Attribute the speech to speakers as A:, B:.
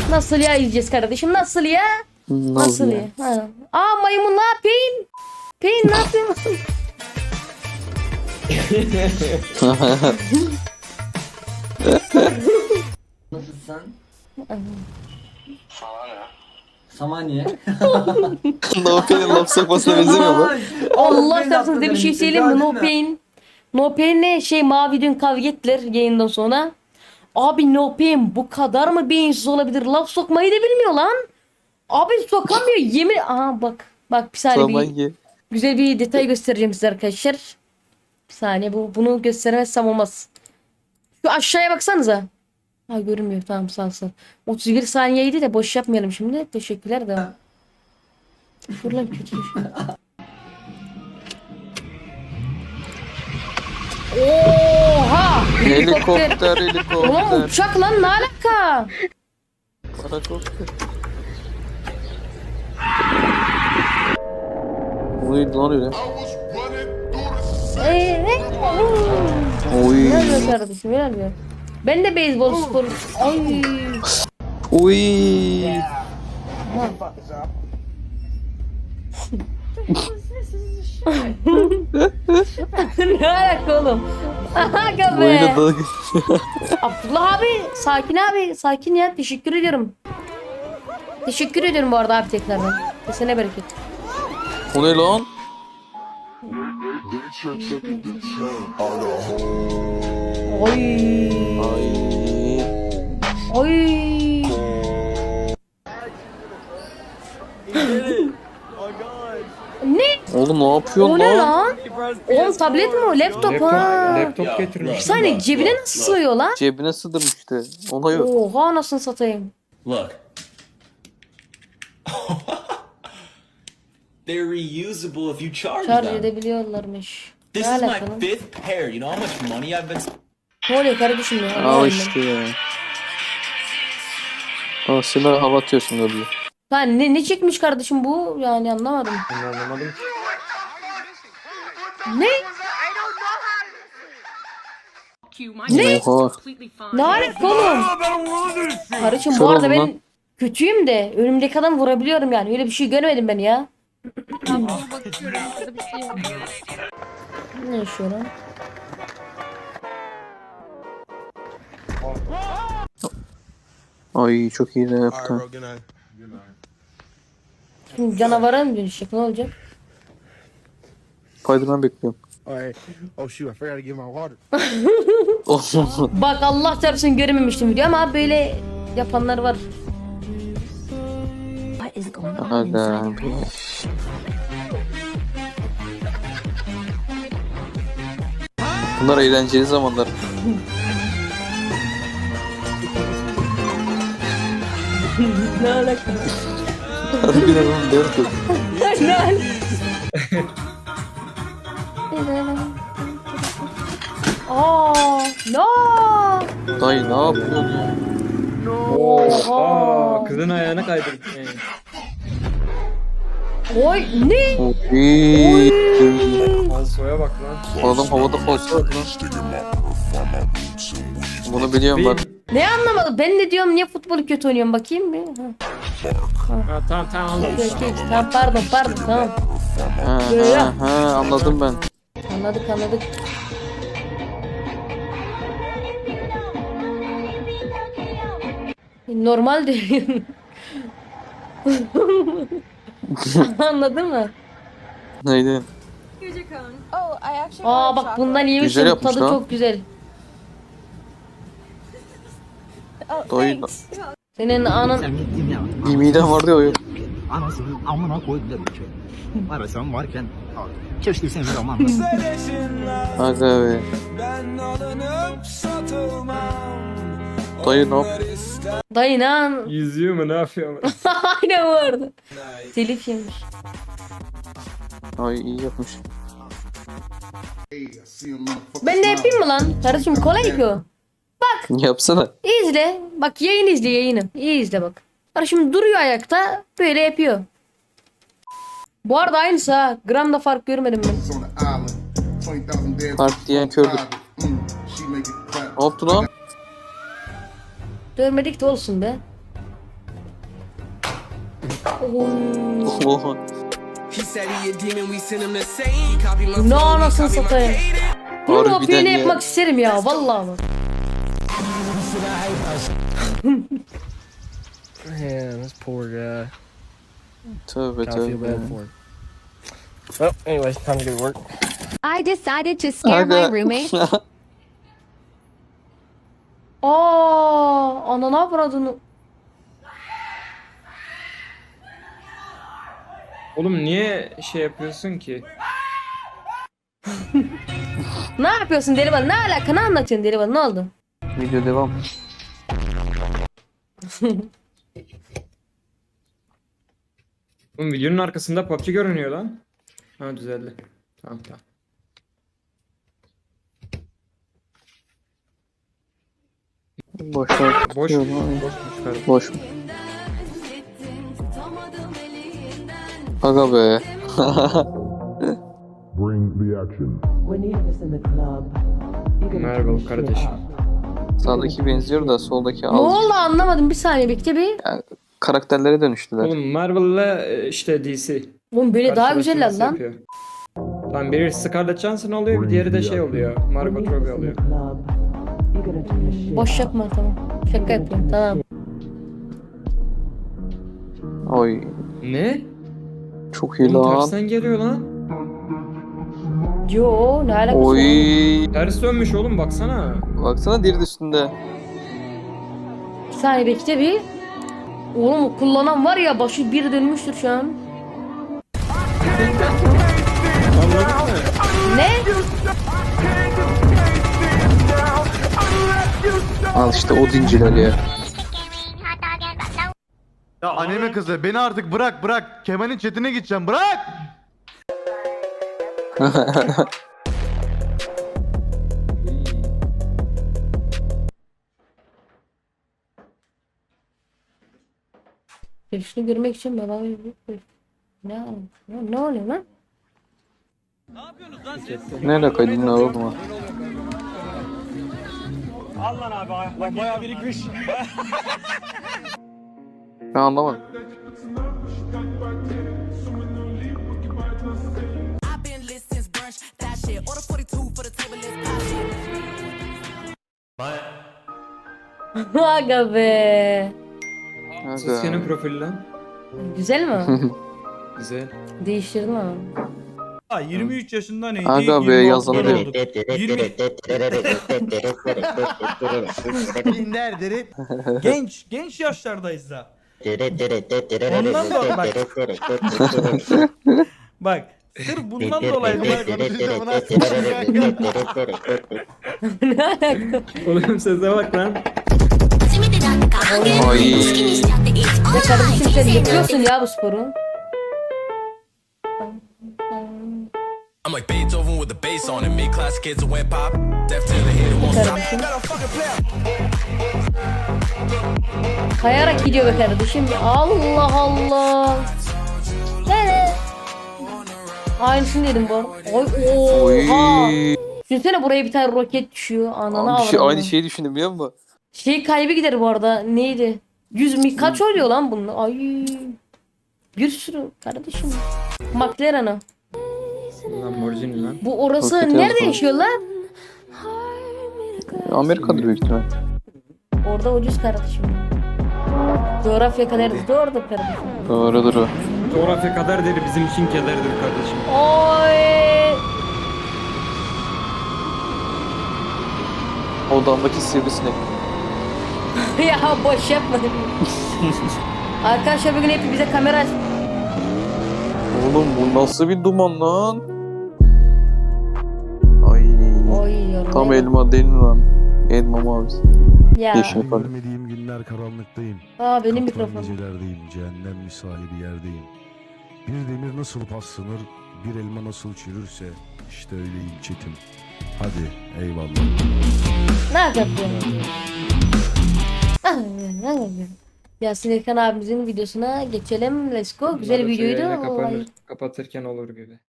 A: Nasıl ya yiyeceğiz kardeşim? Nasıl ya? Nasıl ya? Ha. Aa maymun ne yapayım? Peyn ne yapıyorsun?
B: Nasılsın? Samanya.
C: No Pain'in laf sokmasına benzemiyor mu?
A: Allah şartsın size bir şey söyleyeyim mi? No Pain. No Pain ne? Mavi dün kavga ettiler yayından sonra. Abi No Pain bu kadar mı beyinsiz olabilir? Laf sokmayı da bilmiyor lan. Abi sokamıyor yemin. Aha bak. Bak bir saniye
C: Samanya.
A: güzel bir detay göstereceğim size arkadaşlar. Bir saniye bunu gösteremezsem olmaz. Şu aşağıya baksanıza. Ha görünmüyor tamam sağ ol. 31 saniyeydi de boş yapmayalım şimdi. Teşekkürler de. Dur lan kötü bir şey. Oha!
C: Helikopter,
A: Ulan
C: helikopter.
A: uçak lan ne alaka?
C: Parakopter. Oy lan öyle. Oy.
A: Helal be kardeşim helal be. Ben de beyzbol sporu. Ay.
C: Oy.
A: Ne alaka oğlum? Aga
C: Oyuna
A: be.
C: dalga.
A: Abdullah abi sakin abi sakin ya teşekkür ediyorum. Teşekkür ediyorum bu arada abi tekrardan. Kesene bereket.
C: O ne lan?
A: Oy.
C: Ay.
A: Oy. Ne?
C: Oğlum ne yapıyorsun
A: O ne
C: lan?
A: lan? Oğlum tablet mi o? Laptop ha.
D: Laptop getirmiş.
A: Bir saniye cebine nasıl sığıyor lan?
C: Cebine sığdırmıştı. Ona yok.
A: Oha anasını satayım.
E: Look. They're reusable if you charge
A: Şarj
E: them.
A: edebiliyorlarmış.
E: This
A: Ne
E: is my
A: alaka lan?
E: 5th pair. You know how much money I've been
A: Ne oluyor kardeşim ya?
C: Al
A: Anlamadım
C: işte ya. Aa Sinan hava atıyorsun öyle.
A: ben. Ne çekmiş kardeşim bu? Yani anlamadım.
D: Ben anlamadım.
A: Ne?
C: Ne? Oha.
A: Ne alaka oğlum? Kardeşim bu
C: Kör
A: arada
C: oldum
A: ben
C: lan.
A: kötüyüm de önümdeki adam vurabiliyorum yani. Öyle bir şey görmedim ben ya. Ne yaşıyor lan?
C: Ay çok iyi de yaptı.
A: Şimdi canavara mı dönüşecek? Ne olacak?
C: Spiderman bekliyorum.
F: Alright. Oh shoot, I forgot to give my water.
A: Bak Allah çarpsın görememiştim video ama böyle yapanlar var.
C: Aga abi. Bunlar eğlenceli zamanlar.
A: Ne alaka?
C: Harbiden oğlum diyorum ki.
A: Ne alaka? Aa, no.
C: Dayı ne yapıyorsun ya?
A: Oha.
D: Kızın ayağına kaydırdı.
A: Oy ne?
C: Oy.
D: Falsoya bak lan.
C: Adam havada falso var lan. Bunu biliyorum ben.
A: Ne anlamadım? Ben de diyorum niye futbolu kötü oynuyorum bakayım bir.
D: Ha, tamam anladım.
A: Okey. Tamam pardon tamam.
C: Ha, anladım ben.
A: Anladık. Normal değil. Anladın mı?
C: Neydi?
A: Aa bak bundan
C: Güzel
A: yemişim.
C: yapmış
A: Tadı
C: lan.
A: çok güzel.
C: Dayı
A: Senin anan
C: bir midem vardı ya o yok.
G: Anasının amına koydular bir şey. Var ya sen varken keşke seni zamanla.
C: Aga be. Dayı ne yap?
A: dayı lan.
D: Yüzüyor mu ne yapıyor mu?
A: Aynen bu arada. Telif yemiş.
C: Ay iyi yapmış.
A: Ben de yapayım mı lan? Kardeşim kolay ki o.
C: Yapsana.
A: İzle. Bak yayın izle yayını. İyi izle bak. Kardeşim duruyor ayakta. Böyle yapıyor. Bu arada aynısı ha. Gramda fark görmedim ben.
C: Fark diyen kördür. Ne yaptı lan?
A: Görmedik de olsun be.
C: Oha.
A: Ne anasını satayım. Bunu
C: Harbiden
A: OP'yle
C: ya.
A: yapmak isterim ya vallahi bak.
F: Man, this poor guy.
C: Tövbe
F: I feel
C: tövbe.
F: bad for him. Well, anyways, time to go to work.
H: I decided to scare my
C: Aga.
H: roommate.
A: Ananı avradını.
D: Oğlum niye şey yapıyorsun ki?
A: Ne yapıyorsun Delivan? Ne alaka? Ne anlatıyorsun Delivan? Ne oldu?
C: Video devam.
D: Oğlum videonun arkasında PUBG görünüyor lan. Ha düzeldi. Tamam tamam.
C: Boş ver.
D: Boş
C: Yok,
D: boşmuş kardeşim.
C: Boş. Aga be.
I: Bring the action.
D: Merhaba kardeşim.
C: Sağdaki benziyor da soldaki
A: Ne
C: az.
A: oldu anlamadım. Bir saniye bekle bir.
C: Karakterlere dönüştüler.
D: Oğlum Marvel'la işte DC.
A: Oğlum böyle daha
D: Karşılaştırması
A: güzeller lan.
D: yapıyor. Tamam biri Scarlett Johansson oluyor, bir diğeri de şey oluyor. Margot Robbie oluyor.
A: Boş yapma tamam. Şaka yapıyorum tamam.
C: Oy.
D: Ne?
C: Çok iyi
D: Oğlum
C: lan.
D: tersten geliyor lan.
A: Yo ne alakası
C: Oy.
A: var?
D: Ters dönmüş oğlum baksana.
C: Baksana diri üstünde.
A: Bir saniye bekle bir. Oğlum o kullanan var ya başı bir dönmüştür şu an.
D: Anladın mı?
A: Ne?
C: Al işte o dinciler ya.
J: Ya anneme kızı beni artık bırak. Kemal'in chatine gideceğim bırak.
A: Şunu görmek için baba ne oluyor lan?
C: Ne alakaydın ne oldu mu? Ben anlamadım.
A: Aga be.
D: Sasuke'nin profili lan.
A: Güzel mi?
D: Güzel.
A: Değiştirdin ama.
K: 23 yaşında neydi?
C: Aga be
K: 26
C: yazanı diyor.
K: olduk. 20
J: Binder derit.
K: genç yaşlardayız da. Ondan dolayı bak. Bak sırf bundan dolayı
A: Ne alaka?
D: Oğlum sese bak lan.
C: Ay.
A: Ya kardeşim sen yapıyorsun ya bu sporu.
E: I'm like Beethoven with the bass on it. Mid class kids who went pop. Deaf to the head won't stop.
A: Kardeşim. Kayarak gidiyor be kardeşim. Allah Allah. Ne? Aynısını dedim bu arada. Oy oha.
C: Oy.
A: Düşünsene buraya bir tane roket düşüyor. Ananı
C: Abi
A: avradını.
C: aynı şeyi düşündüm biliyor musun?
A: Şey kaybı gider bu arada. Neydi? 100 mi? Kaç oluyor lan bunun? Ay. Bir sürü kardeşim. McLaren'a.
D: Lamborghini lan.
A: Bu orası
C: Roket
A: nerede
C: yazdı.
A: yaşıyorlar?
C: Amerika'dır büyük ihtimal.
A: Orada ucuz kardeşim. Coğrafya kadar doğrudur kardeşim.
C: Doğrudur o.
D: Coğrafya kaderdir bizim için kederdir kardeşim.
A: Oy.
C: Odamdaki sivrisinek.
A: Ya boş yapma. Arkadaşlar bugün hep bize kamera aç.
C: Oğlum bu nasıl bir duman lan? Ay.
A: Oy yorum.
C: Tam elma değil mi lan? Elma mavisi.
A: Ya.
C: Yeşil pardon.
F: Görmediğim günler karanlıktayım.
A: Aa benim
F: Kapalı
A: mikrofonum.
F: gecelerdeyim, cehennem misali bir yerdeyim. Bir demir nasıl paslanır, bir elma nasıl çürürse işte öyleyim çetim. Hadi eyvallah.
A: Ne yapıyorsun? Yasin Erkan abimizin videosuna geçelim. Let's go. Güzel
D: Bunlar da
A: videoydu.
D: yayını
A: Vallahi.
D: kapatırken olur gibi.